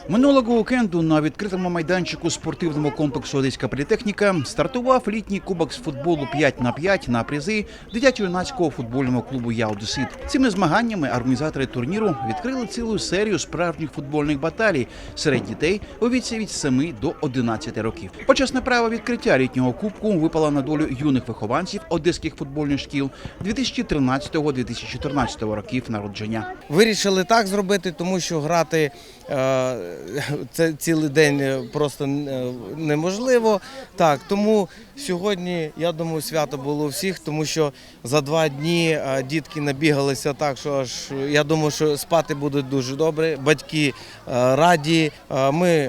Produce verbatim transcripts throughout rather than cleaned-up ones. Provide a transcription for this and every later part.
Минулого уікенду на відкритому майданчику спортивного комплексу «Одеська політехніка» стартував літній кубок з футболу п'ять на п'ять на призи дитячо-юнацького футбольного клубу «Я Одесит». Цими змаганнями організатори турніру відкрили цілу серію справжніх футбольних баталій серед дітей у віці від семи до одинадцяти років. Почесне право відкриття літнього кубку випало на долю юних вихованців одеських футбольних шкіл дві тисячі тринадцятого - дві тисячі чотирнадцятого років народження. Вирішили так зробити, тому що грати е, це цілий день просто неможливо. Так, тому сьогодні, я думаю, свято було у всіх, тому що за два дні дітки набігалися так, що аж я думаю, що спати будуть дуже добре. Батьки е, раді, е, ми е,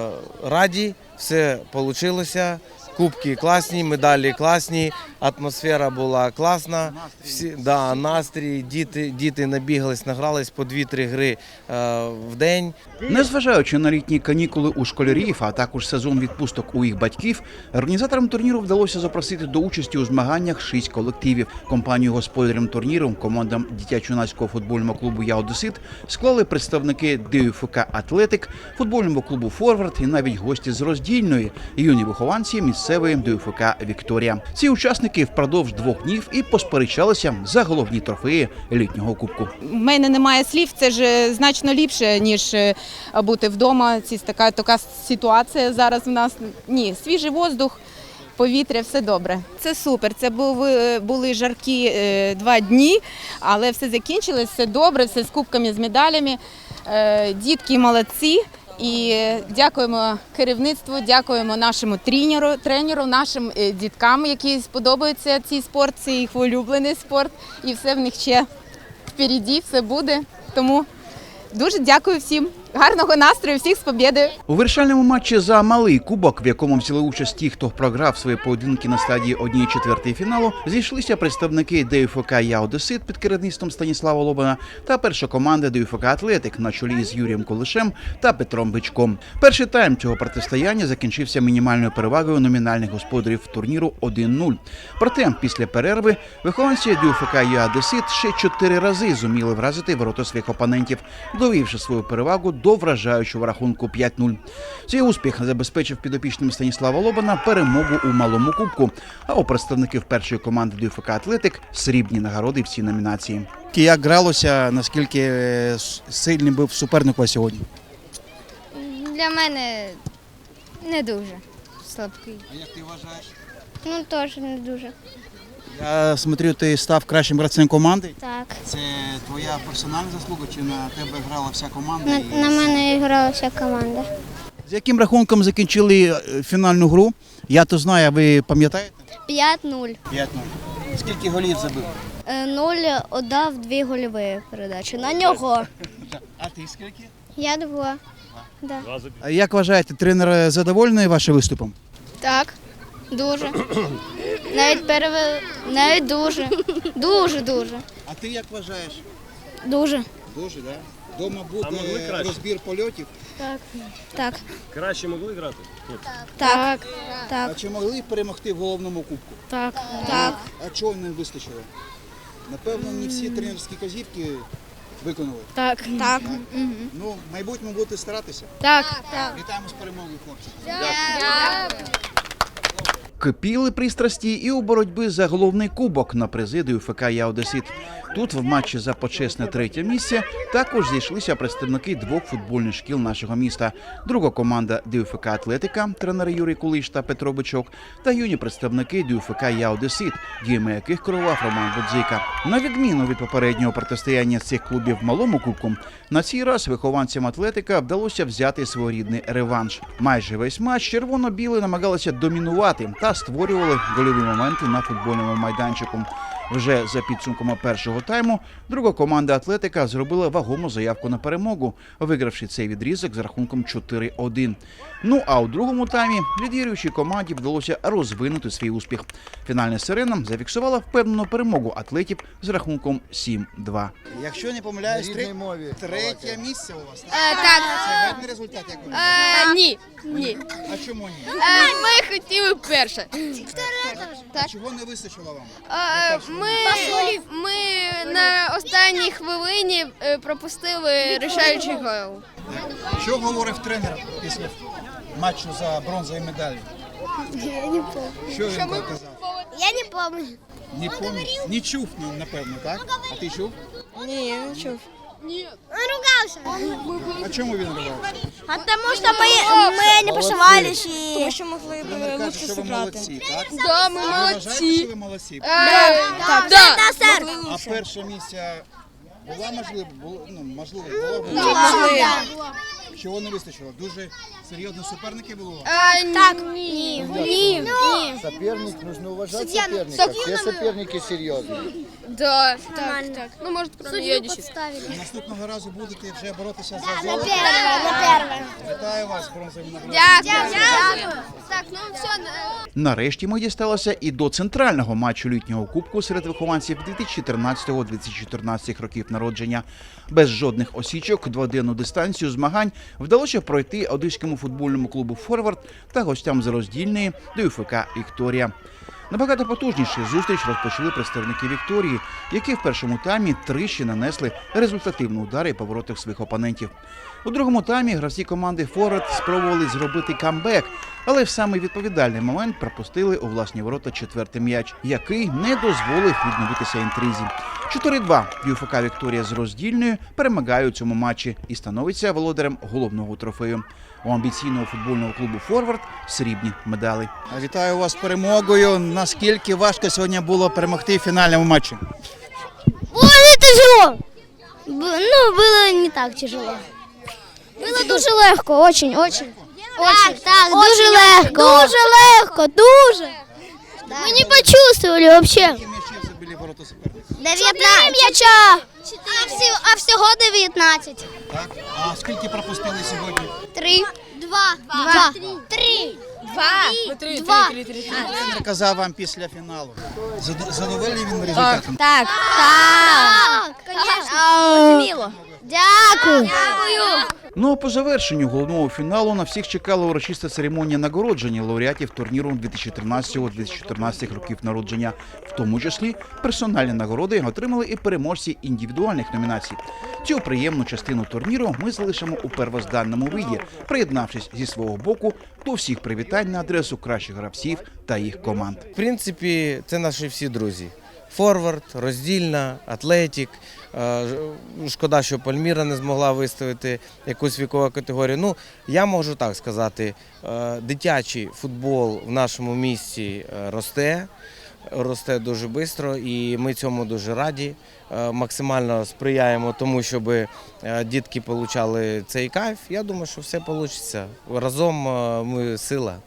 раді, все вийшло. Кубки класні, медалі класні, атмосфера була класна, всі, да, настрій, діти, діти набігались, награлись по дві-три гри е, в день. Незважаючи на літні канікули у школярів, а також сезон відпусток у їх батьків, організаторам турніру вдалося запросити до участі у змаганнях шість колективів. Компанію господарям турніру, командам дитячо-юнацького футбольного клубу «Я Одесит» склали представники ДЮФК «Атлетик», футбольного клубу «Форвард» і навіть гості з Роздільної, юні вихованці місцевої ДЮФК «Вікторія». Ці учасники впродовж двох днів і посперечалися за головні трофеї літнього кубку. У мене немає слів, це ж значно ліпше, ніж бути вдома. Це така, така ситуація зараз в нас. Ні, свіжий воздух, повітря, все добре. Це супер, це були, були жаркі е, два дні, але все закінчилось, все добре, все з кубками, з медалями. Е, дітки молодці. І дякуємо керівництву, дякуємо нашому тренеру, тренеру, нашим діткам, які сподобаються цей спорт, це їх улюблений спорт. І все в них ще впереді, все буде. Тому дуже дякую всім. Гарного настрою, всіх з побєдою! У вирішальному матчі за малий кубок, в якому взяли участь ті, хто програв свої поєдинки на стадії однієї четвертої фіналу, зійшлися представники ДЮФК «Я Одесит» під керівництвом Станіслава Лобана та перша команда ДЮФК «Атлетик» на чолі з Юрієм Кулишем та Петром Бичком. Перший тайм цього протистояння закінчився мінімальною перевагою номінальних господарів турніру один нуль. Проте після перерви вихованці ДЮФК «Я Одесит» ще чотири рази зуміли вразити ворота своїх опонентів, довівши свою перевагу до вражаючого рахунку п'ять нуль. Цей успіх забезпечив підопічним Станіслава Лобана перемогу у малому кубку, а у представників першої команди ДЮФК «Атлетик» срібні нагороди в цій номінації. Як гралося, наскільки сильним був суперник сьогодні? Для мене не дуже слабкий. А як ти вважаєш? Ну, теж не дуже. Я смотрю, ти став кращим гравцем команди. Так. Це твоя персональна заслуга чи на тебе грала вся команда? На, і... на мене грала вся команда. З яким рахунком закінчили фінальну гру? Я то знаю, а ви пам'ятаєте? п'ять нуль. п'ять нуль. Скільки голів забив? Нуль віддав дві гольові передачі. На нього. А ти скільки? Я два. Да. А як вважаєте, тренер задоволений вашим виступом? Так, дуже. Навіть перевели, навіть дуже. Дуже, дуже. А ти як вважаєш? Дуже. Дуже, так? Да? Дома буде розбір польотів? Так. Так. Краще могли грати? Ні. Так. А Так. чи могли перемогти в головному кубку? Так. Так. А чого не вистачило? Напевно, не всі тренерські казівки виконали. Так. Так. Ну, в майбутньому будете старатися. Так. Так. Вітаємо з перемогою, хлопці. Кипіли пристрасті і у боротьбі за головний кубок на призи ДЮФК «Я Одесит». Тут в матчі за почесне третє місце також зійшлися представники двох футбольних шкіл нашого міста. Друга команда ДЮФК «Атлетика», тренери Юрій Кулиш та Петро Бичок, та юні представники ДЮФК «Я Одесит», діями яких керував Роман Будзика. На відміну від попереднього протистояння цих клубів малому кубку, на цей раз вихованцям «Атлетика» вдалося взяти своєрідний реванш. Майже весь матч червоно-білі намагалися домінувати та створювали гольові моменти на футбольному майданчику. Вже за підсумками першого тайму друга команда «Атлетика» зробила вагому заявку на перемогу, вигравши цей відрізок з рахунком чотири один. Ну а у другому таймі лідіруючій команді вдалося розвинути свій успіх. Фінальна сирена зафіксувала впевнену перемогу атлетів з рахунком сім два. Якщо не помиляюсь, три... третє місце у вас? Е, так. Це гарний результат, як ви Е, ні. Ні. А чому ні? Е, ми хотіли перше. А чого не вистачило вам? Е, Ми, ми на останній хвилині е, пропустили рішаючий гол. Що говорив тренер після матчу за бронзові медалі? Я не помню. Що він казав? Я не помню. Не пам'ятаю. Не чув, ну, напевно, так? А ти чув? Ні, я не чув. Он ругался. А чому він ривався? А тому що ми, ми не пошивались і... Тому що могли Тренер каже, що ви молодці, так? Да, ми Ви вважаєте, що ви молодці? Так, да. сер. А перше місце була можливо, було, ну, можливо, було, було. Могли. Чого не вистачило? Дуже серйозні суперники було? Так, ні. Ні. Соперник, нужно уважать соперника. Все соперники серьезные. Да, так, так. Ну, може, кроме Єдіші. Наступного разу будете вже боротися за На золото. перше, на перше. Вітаю вас, бронзовим нагородом. Дякую. Так, ну все. Нарешті ми дісталися і до центрального матчу літнього кубку серед вихованців дві тисячі тринадцятого - дві тисячі чотирнадцятого років народження. Без жодних осічок дводенну дистанцію змагань вдалося пройти одеському футбольному клубу «Форвард» та гостям з роздільної до ЮФК «Вікторія». Набагато потужніше зустріч розпочали представники «Вікторії», які в першому таймі тричі нанесли результативні удари по воротах своїх опонентів. У другому таймі гравці команди «Форвард» спробували зробити камбек, але в самий відповідальний момент пропустили у власні ворота четвертий м'яч, який не дозволив відновитися інтризі. чотири-два ЮФК «Вікторія» з роздільною перемагає у цьому матчі і становиться володарем головного трофею. У амбіційного футбольного клубу «Форвард» срібні медалі. Вітаю вас з перемогою. Наскільки важко сьогодні було перемогти в фінальному матчі? Було не тяжело. Б- Ну, було не так тяжело. Було дуже легко, очень, очень. Так, так, дуже легко. Дуже легко, дуже. Ми не почувствовали вообще. Які м'ячі забили ворота суперника? дев'ятнадцять м'яча. А, всього, а всього дев'ятнадцять. Так. А скільки пропустили сьогодні? Три. Два. Два. Три. Два. Три, Два. три, три, три. Тренер казав вам після фіналу. Зад- Задоволений він результатом? Так. Так. Конечно. Мило. Дякую. Ну а по завершенню головного фіналу на всіх чекала урочиста церемонія нагородження лауреатів турніру дві тисячі тринадцятого - дві тисячі чотирнадцятого років народження. В тому числі персональні нагороди отримали і переможці індивідуальних номінацій. Цю приємну частину турніру ми залишимо у первозданному виді, приєднавшись зі свого боку до всіх привітань на адресу кращих гравців та їх команд. В принципі, це наші всі друзі. Форвард, роздільна, Атлетік. Е, ж- Шкода, що Пальміра не змогла виставити якусь вікову категорію. Ну, я можу так сказати, е, дитячий футбол в нашому місті е, росте, росте дуже швидко, і ми цьому дуже раді. Е, Максимально сприяємо тому, щоб е, дітки отримали цей кайф. Я думаю, що все вийде. Разом е, ми сила.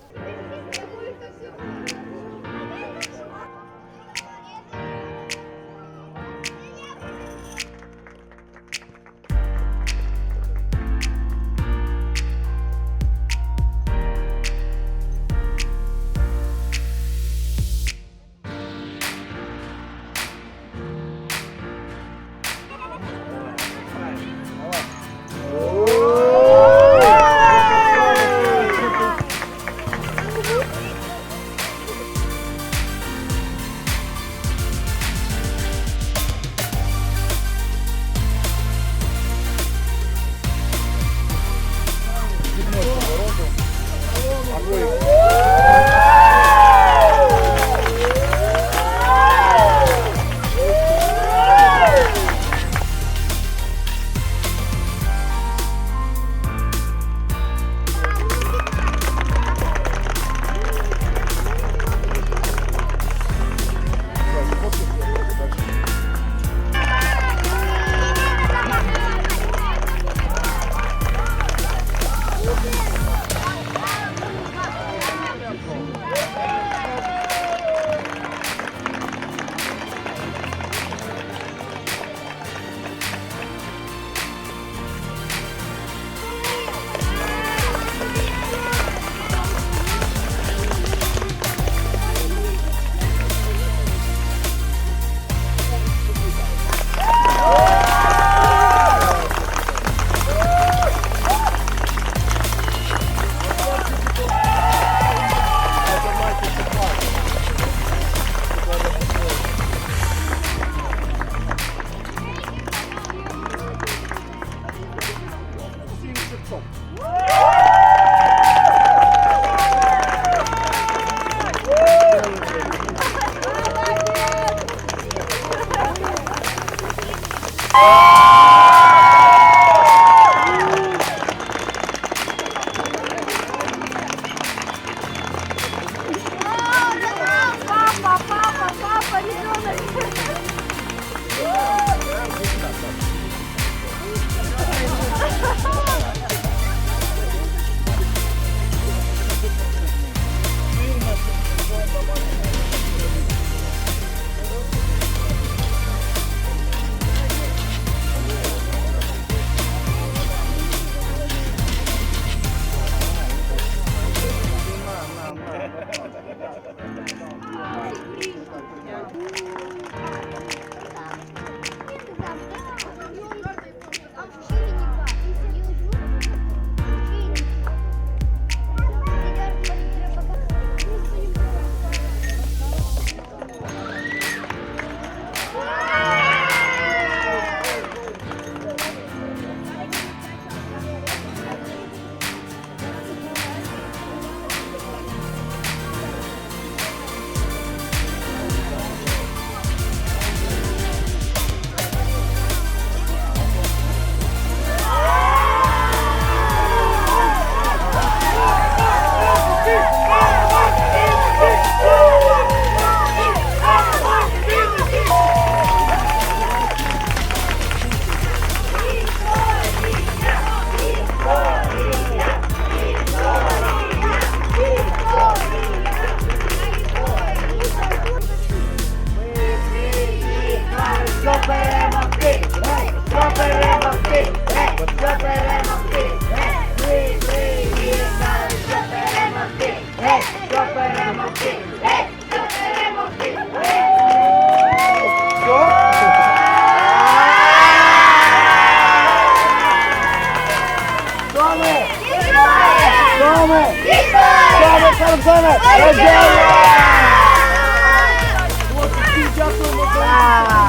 Дякуємо за